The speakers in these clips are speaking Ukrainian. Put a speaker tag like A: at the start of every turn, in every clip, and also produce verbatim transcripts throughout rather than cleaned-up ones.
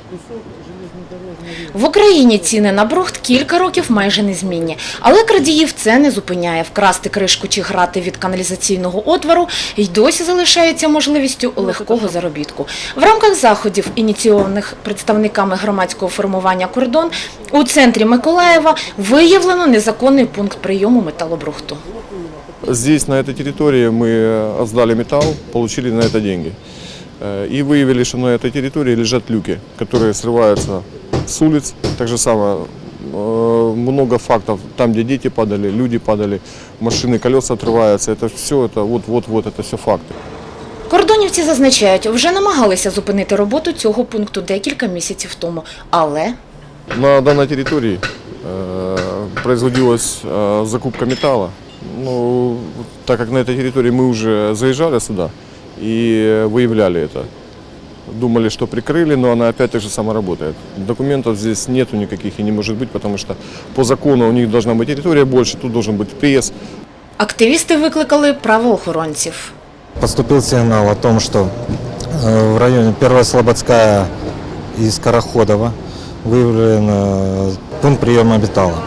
A: В Україні ціни на брухт кілька років майже незмінні. Але крадіїв це не зупиняє. Вкрасти кришку чи грати від каналізаційного отвору й досі залишається можливістю легкого заробітку. В рамках заходів, ініційованих представниками громадського формування «Кордон», у центрі Миколаєва виявлено незаконний пункт прийому металобрухту.
B: Здесь, на этой территории, мы сдали металл, получили на это деньги. И выявили, что на этой территории лежат люки, которые срываются с улиц. Так же самое, много фактов, там, где дети падали, люди падали, машины, колеса отрываются. Это все, это вот-вот-вот, это все факты.
A: Кордонівці зазначають, вже намагалися зупинити роботу цього пункту декілька місяців тому, але...
B: На данной территории производилась закупка металла. Ну, так как на этой территории мы уже заезжали сюда и выявляли это. Думали, что прикрыли, но она опять так же само работает. Документов здесь нету никаких и не может быть, потому что по закону у них должна быть территория больше, тут должен быть пресс.
A: Активісти викликали правоохоронців.
C: Поступил сигнал о том, что в районе Первая Слободская и Скороходова выявлен пункт приема металла.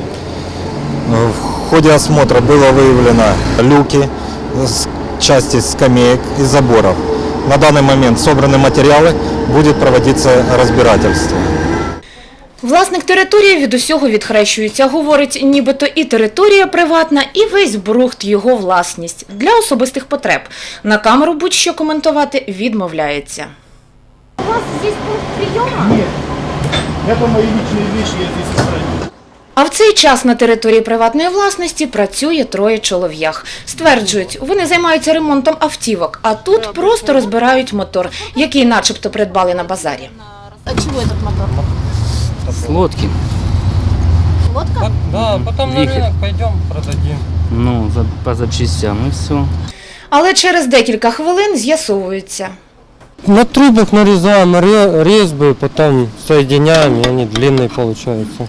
C: В ходе осмотра было выявлено люки, части скамеек и заборов. На данный момент собраны материалы, будет проводиться разбирательство.
A: Власник території від усього відхрещується. Говорить, нібито і територія приватна, і весь брухт його власність. Для особистих потреб. На камеру будь-що коментувати відмовляється.
D: У вас здесь пункт приема?
E: Нет. Это мои личные вещи, я здесь сохраню.
A: А в цей час на території приватної власності працює троє чолов'ях. Стверджують, вони займаються ремонтом автівок, а тут просто розбирають мотор, який начебто придбали на базарі.
D: А чего этот мотор?
F: С лодки.
D: Лодка?
F: Да, потом на рынок пойдем, продадим. Ну, за, по запчастям и все.
A: Але через декілька хвилин з'ясовується.
G: На трубах нарезаем резьбы, потом соединяем, и они длинные получаются.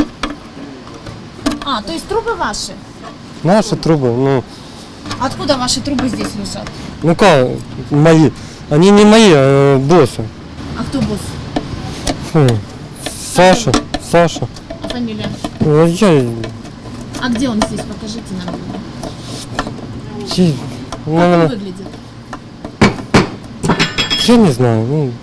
D: А, то есть трубы ваши?
G: Наши трубы, ну,
D: Откуда ваши трубы здесь лежат?
G: ну как, мои. Они не мои, а босса.
D: А кто босс?
G: Фу. Саша, Саша.
D: А фамилия?
G: Ну, я,
D: А где он здесь? Покажите нам.
G: я,
D: Как он
G: наверное,
D: выглядит?
G: я не знаю. Ну,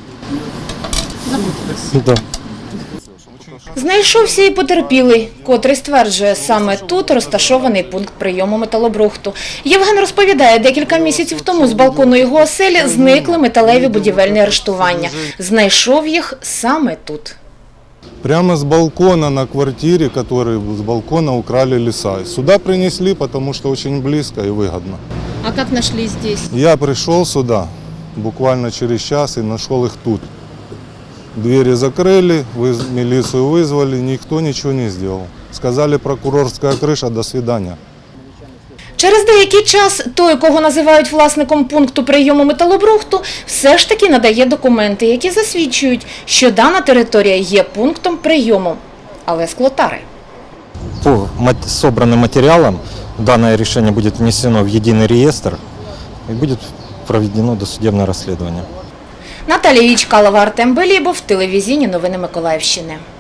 G: да.
A: Знайшовся і потерпілий, котрий стверджує, саме тут розташований пункт прийому металобрухту. Євген розповідає, декілька місяців тому з балкону його оселі зникли металеві будівельні арештування. Знайшов їх саме тут.
H: Прямо с балкона на квартире, который с балкона украли леса. Сюда принесли, потому что очень близко и выгодно.
D: А как нашли здесь?
H: Я пришел сюда буквально через час и нашел их тут. Двери закрыли, выз- милицию вызвали, никто ничего не сделал. Сказали, прокурорская крыша, до свидания.
A: Через деякий час той, кого називають власником пункту прийому металобрухту, все ж таки надає документи, які засвідчують, що дана територія є пунктом прийому. Але склотари.
C: По мат- собранным материалам данное решение будет внесено в единый реестр и будет проведено досудебное расследование.
A: Наталія Ячкалова, Артем Белібов, телевізійні новини Миколаївщини.